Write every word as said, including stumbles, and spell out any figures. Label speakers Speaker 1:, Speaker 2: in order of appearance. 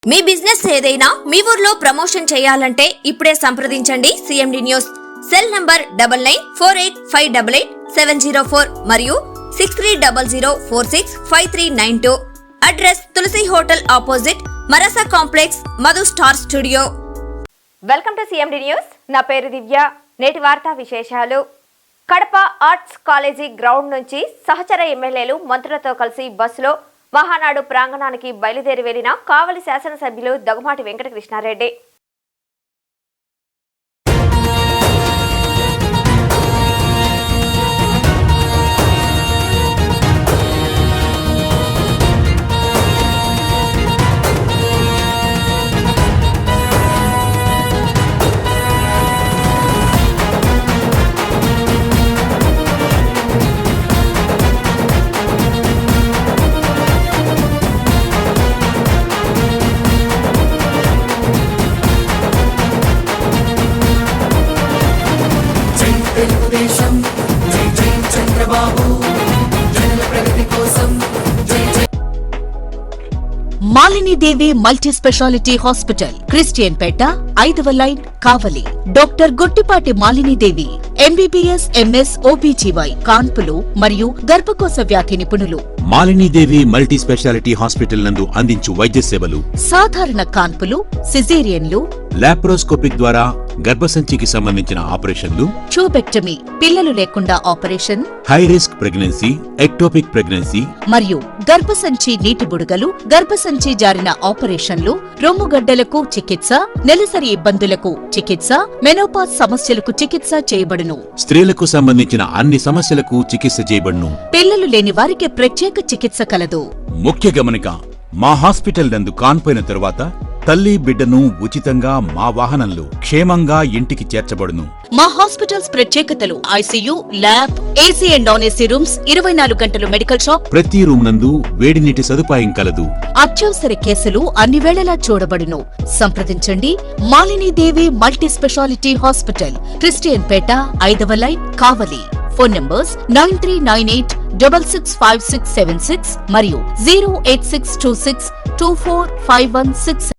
Speaker 1: మీ business ఏదైనా మీ ఊర్లో promotion చేయాలంటే ఇప్పుడే సంప్రదించండి CMD news. Cell number double nine four eight five double eight seven zero four మరియు six three double zero four six five three nine two. Address Tulasi hotel opposite మరసా complex, Madhu star studio. Welcome to CMD news. నా పేరు దివ్య. నేటి వార్తా విశేషాలు. Kadapa arts college ground నుంచి సహచర ఎమ్మెల్యేలు మంత్రులతో కలిసి బస్సులో మహానాడు ప్రాంగణానికి బయలుదేరి వెళ్లిన కావలి శాసనసభ్యులు Daggumati Venkatakrishnareddy.
Speaker 2: Malinidevi multi speciality hospital, Christian Peta, ఐదవ line, Kavali. Doctor Gottipati Malinidevi MBBS, MS, OBGY, కాన్పులు మరియు గర్భకోశ వ్యాధి నిపుణులు.
Speaker 3: మాలినీదేవి మల్టీ స్పెషాలిటీ హాస్పిటల్ నందు అందించు వైద్య సేవలు:
Speaker 2: సాధారణ కాన్పులు, సిజేరియన్లు,
Speaker 3: లాప్రోస్కోపిక్ ద్వారా గర్భసంచికి సంబంధించిన ఆపరేషన్లు,
Speaker 2: ట్యూబెక్టమీ, పిల్లలు లేకుండా operation,
Speaker 3: high risk pregnancy, ectopic pregnancy
Speaker 2: మరియు గర్భసంచి నీటి బుడగలు, గర్భసంచి జారిన ఆపరేషన్లు, రొమ్ముగడ్డలకు చికిత్స, నెలసరి ఇబ్బందులకు చికిత్స, మెనోపాజ్ సమస్యలకు చికిత్స చేయబడును.
Speaker 3: స్త్రీలకు సంబంధించిన అన్ని సమస్యలకు చికిత్స చేయబడును.
Speaker 2: పిల్లలు లేని వారికి ప్రత్యేక చికిత్స కలదు.
Speaker 3: ముఖ్య గమనిక: మా హాస్పిటల్ నందు కాన్పోయిన తరువాత తల్లి బిడ్డను ఉచితంగా మా వాహనంలో క్షేమంగా ఇంటికి చేర్చబడును.
Speaker 2: మా హాస్పిటల్స్ ప్రత్యేకతలు: ICU, lab, AC and non AC rooms, ఇరవై నాలుగు గంటలు మెడికల్ షాప్,
Speaker 3: ప్రతి రూమ్ నందు వేడి నీటి సదుపాయం కలదు.
Speaker 2: అత్యవసర కేసులు అన్ని వేళలా చూడబడును. సంప్రదించండి Malinidevi multi speciality hospital, Christian Peta, ఐదవ line, Kavali. Phone numbers nine three nine eight double six five six seven six మరియు zero eight six two six two four five one six.